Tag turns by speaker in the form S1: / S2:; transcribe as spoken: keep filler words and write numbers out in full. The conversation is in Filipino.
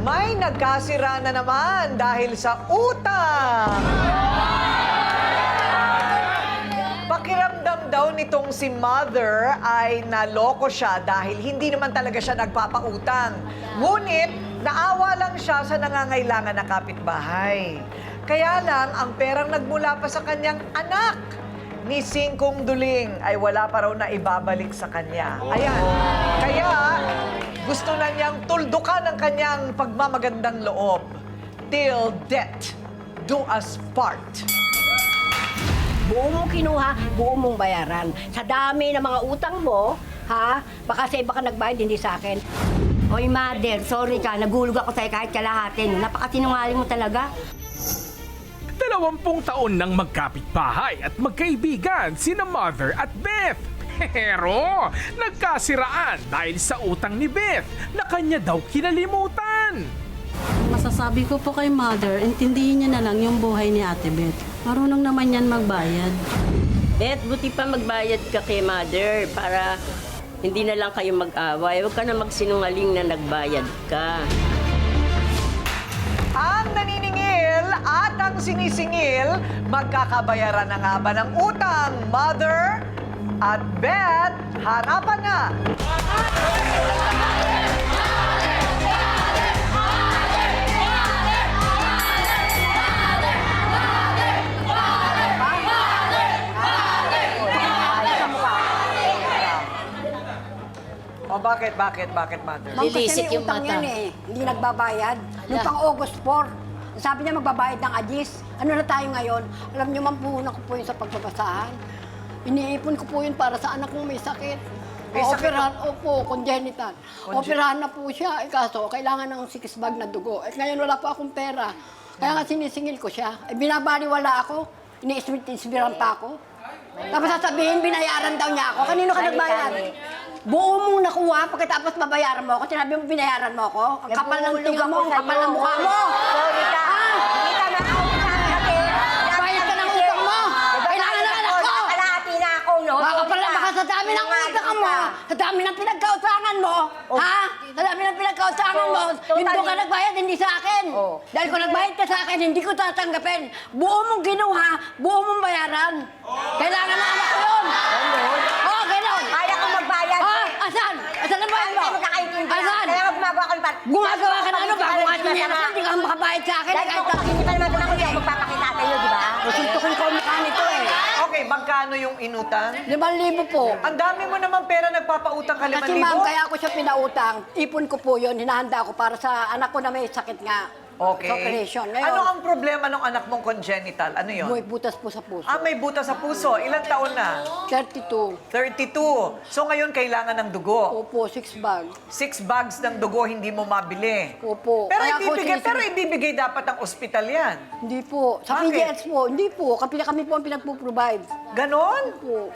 S1: May nagkasira na naman dahil sa utang. Pakiramdam daw nitong si Mother ay naloko siya dahil hindi naman talaga siya nagpapautang. Ngunit, naawa lang siya sa nangangailangan na kapitbahay. Kaya lang, ang perang nagmula pa sa kanyang anak ni Singkong Duling ay wala pa raw na ibabalik sa kanya. Ayan. Kaya, gusto na niyang tuldukan ang kanyang pagmamagandang loob. Till death do us part.
S2: Buo mong kinuha, buo mong bayaran. Sa dami ng mga utang mo, ha? Baka sa iba ka nagbayad, hindi sa akin. Oy, Mother, sorry ka. Nagulog ako sa'yo kahit kalahati. Napakasinungaling mo talaga.
S3: Dalawampung taon nang magkapitbahay at magkaibigan sina Mother at Beth. Pero nagkasiraan dahil sa utang ni Beth na kanya daw kinalimutan.
S4: Masasabi ko po kay Mother, intindihin niya na lang yung buhay ni Ate Beth. Marunong naman yan magbayad.
S5: Beth, buti pa magbayad ka kay Mother para hindi na lang kayo mag-away. Huwag ka na magsinungaling na nagbayad ka.
S1: Ang naniningil at ang sinisingil, magkakabayaran na nga ba ng utang? Mother at Beth, harapan na! O bakit, bakit, bakit, Mother?
S2: Ma'am, kasi
S5: Lilisik
S2: may
S5: yung
S2: utang
S5: mata.
S2: yan eh. Hindi nagbabayad. Noong pang August four, sabi niya magbabayad ng agis. Ano na tayo ngayon? Alam niyo, ma'am, puhunan ko po yun sa pagbabasahan. Iniipon ko po yun para sa anak kong may sakit.
S1: May sakit
S2: Operahan, opo, congenital.
S1: Conge-
S2: Operahan na po siya. Eh, kaso, kailangan ng six bag na dugo. Eh, ngayon wala po akong pera. Kaya nga sinisingil ko siya. Eh, binabaliwala ako. Ini-ismiran pa ako. Tapos sasabihin, binayaran daw niya ako. Kanino ka nagbayad? Buo mong nakuha, pagkatapos babayaran mo ako, sinabi mo binayaran mo ako. Ang kapal ng tinga mo, ang kapal ng mukha mo.
S6: Sorry ka. Hindi ka na-out sa akin kasi...
S2: Bayad ka ng utang mo. Kailangan ng anak ko.
S6: Kalahati na ako, no?
S2: Baka
S6: Sorry
S2: pala
S6: ka.
S2: baka sa dami ng
S6: Sinungaling
S2: utang mo,
S6: ka.
S2: sa dami ng pinagkautangan mo, ha? Sa dami ng pinagkautangan mo,
S6: So, totally-
S2: hindi ka nagbayad, hindi sa akin.
S6: Oh.
S2: Dahil kung nagbayad ka sa akin, hindi ko tatanggapin. Buo mong ginuha, buo mong bayaran. Kailangan ng anak ko yun. Oh, ganon.
S6: Kaya kong magbayad.
S2: Oh, asan? Asan ang bayad
S6: Hindi
S2: mo?
S6: tayo magkakaintindihan.
S2: Asan?
S6: Kaya nga gumagawa ka ng par...
S2: Gumagawa ka na ano ba? Kung
S6: Kahit
S2: atin yan ako, hindi ka makabayad sa akin.
S6: Dahil
S2: Kahit
S6: kung principal naman doon ako, hindi ako magpapakita sa iyo, di ba?
S2: Susuntukin ko ang mukha nito eh.
S1: Okay, magkano yung inutang?
S2: Limang libo po.
S1: Ang dami mo naman pera nagpapautang ka liman
S2: Kasi
S1: libo.
S2: ma'am, kaya ako siya pinautang. Ipon ko po yun, hinahanda ko para sa anak ko na may sakit nga.
S1: Okay.
S2: Sa operation. Ngayon,
S1: Ano ang problema ng anak mong congenital? Ano yun?
S2: may butas po sa puso.
S1: Ah, may buta sa puso. Ilang taon na?
S2: thirty-two.
S1: thirty-two. So ngayon kailangan ng dugo.
S2: Opo, six bag.
S1: Six bags ng dugo hindi mo mabili.
S2: Opo.
S1: Pero
S2: Kaya ako
S1: ibibigay,
S2: sinising-
S1: pero ibibigay dapat ng ospital yan.
S2: Hindi po. Sa
S1: Bakit?
S2: P D S po, hindi po. Kami, kami po ang pinagpo-provide.
S1: Ganon?
S2: Po.